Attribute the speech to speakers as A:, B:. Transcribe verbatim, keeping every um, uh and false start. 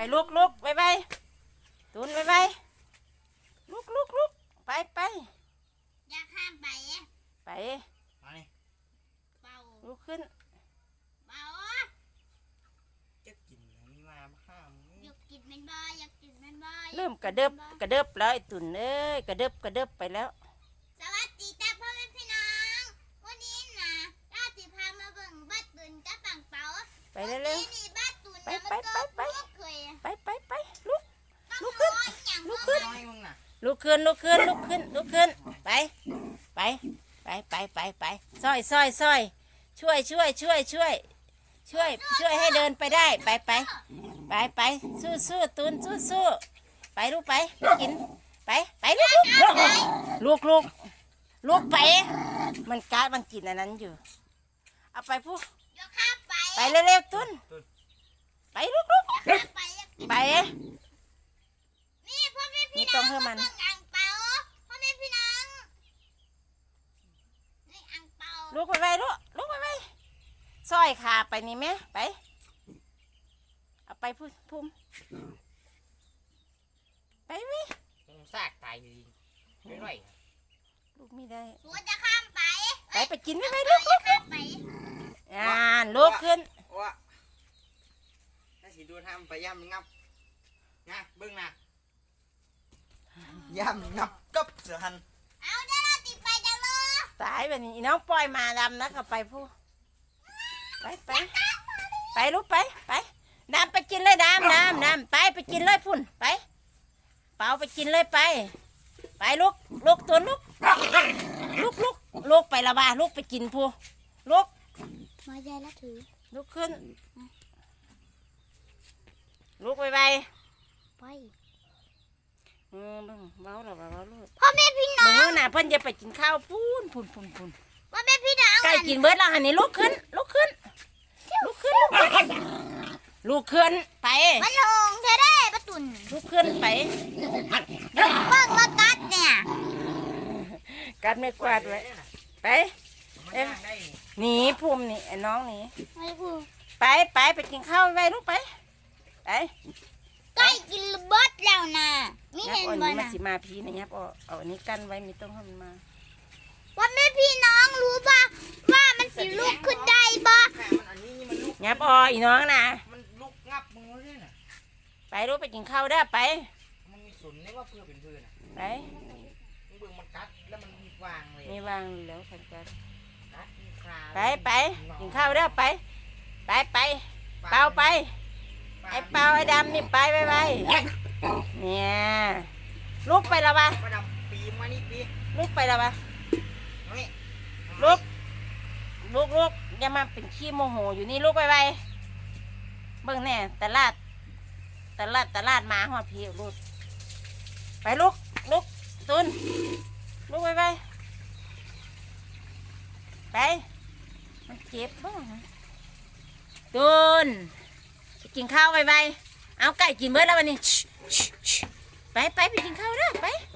A: ลุกลุกไปไปตุนไปไปลุกลุกลุกไปไป
B: อยากข้ามไป
A: ไป
C: มานี่
B: เบา
A: ลุกขึ้น
B: เบา
C: จะกินมีมาห้าม
B: อยากกินมันบ่อยากกินมันบ่
A: เริ่มกระเดิบกระเดิบแล้วไอ้ตุนเอ้ยกระเดิบกระเดิบไปแล้ว
B: สวัสดีจ้าพ่อแม่พี่น้องวันนี้นะราติพามาเบิ่งบ้านตุนกับปังเปา
A: ไปเร็ว
B: ๆไปไปไปไป
A: ไปไปไปลุกลุกขึ้นลุกขึ้น
C: มึงน่ะ
A: ลุกขึ้นลุกขึ้นลุกขึ้นลุกขึ้นไปไปไปไปไปไปซอยซอยซอยช่วยช่วยช่วยช่วยช่วยช่วยให้เดินไปได้ไปไปไปไปสู้สู้ตุนสู้สู้ไปลูกไปไปกินไปไปลูกลูกลูกลูกไปมันการมันกินอันนั้นอยู่เอาไปพูไปเร็วๆตุนไปลูกลูกไป
B: นี่พ่อแม่พี่
A: น้อง
B: มันอังเปาพ่อแม่พี่น้องนี่อังเปา
A: ลูกไปไปลูกลูกไปไปซอยขาไปนี่แม่ไปเอาไปพุ่มพุ่มไปไหม
C: ซากตายดีไม่ไหว
A: ลูกไม่ได้
B: สวนจะข้ามไป
A: ไปไปกินไม่ไปลูกลูกอ่าลูกขึ้น
C: ว่าถ้าสิดูทำไปย่ำงับนะเบิ้งนะย่ำงับกับเสือหัน
B: เอาได้เราติดไปจังเลย
A: ตายแบบนี้น้องปล่อยมาดำนะกับไปพูไปไปไปลูกไปไปดำไปกินเลยดำดำดำไปไปกินเลยพุ่นไปเปล่าไปกินเลยไปไปลูกลูกตัวลูกลูกลูกลูกไปละบ้าลูกไปกินพูลูก
B: มาใจแล้วถือ
A: ลูกขึ้นลูกไปไป
B: ไป
A: เออบ้างเบาหรอเบาลูก
B: พ่อแม่พี่น้อง
A: มึงน่ะเพิ่นจะไปกินข้าวพูนพูนพูนพูน
B: พ่อแม่พี่น้อง
A: ใกล้กินเบิดแล้วหันนี่ลูกขึ้นลูกขึ้นลูกขึ้นลูกขึ้นไป
B: มันลงเธอได้ประตุน
A: ลูกขึ้นไป
B: เบิ่งมากัดเนี่ย
A: กัดไม่กวาดไว้ไปหนีภูมินี่ไอ้น้องหนีไปไปไปกินข้าวไปลูกไปไป
B: ใกล้กินเบิดแล้วนะมีเห็นบ่
A: นะมาสิมาพีนะยับเอาเอาอันนี้กั้นไว้มีต้องให้มันมา
B: ว่าแม่พี่น้องรู้ป่ะว่ามันสิลุกขึ้นได้บ่
A: ยับเอาอีน้องนะ
C: มันลุกงับมึงเลยน่ะ
A: ไปลูกไปกินข้าวได้ไป
C: มันมีสนนี่ว่าเพื่อเป็นเพื่อน
A: ไป
C: มึงเบิ่งมันกัดแล้วมันมีวางเลย
A: มีวางแล้วขันกัน
C: กัดมีครา
A: ไปไปกินข้าวได้ไปไปไปเปล่าไปไอ้เปล่าไอ้ดำนี่ไปไปไปเนี่ยลุกไปละบ้า
C: ปีมานี่ปี
A: ลุกไปละบ้าลุกลุกลุกอย่ามาเป็นขี้โมโหอยู่นี่ลุกไปไปเบิ่งแน่ตลาดตลาดตลาดมาหัวพี่ลุกไปลุกลุกตุนลุกไปไปไปมันเจ็บบ้างตุนกินข้าวไปไปเอาไก่กินเมื่อแล้ววันนี้ไปไปไปกินข้าวนะไป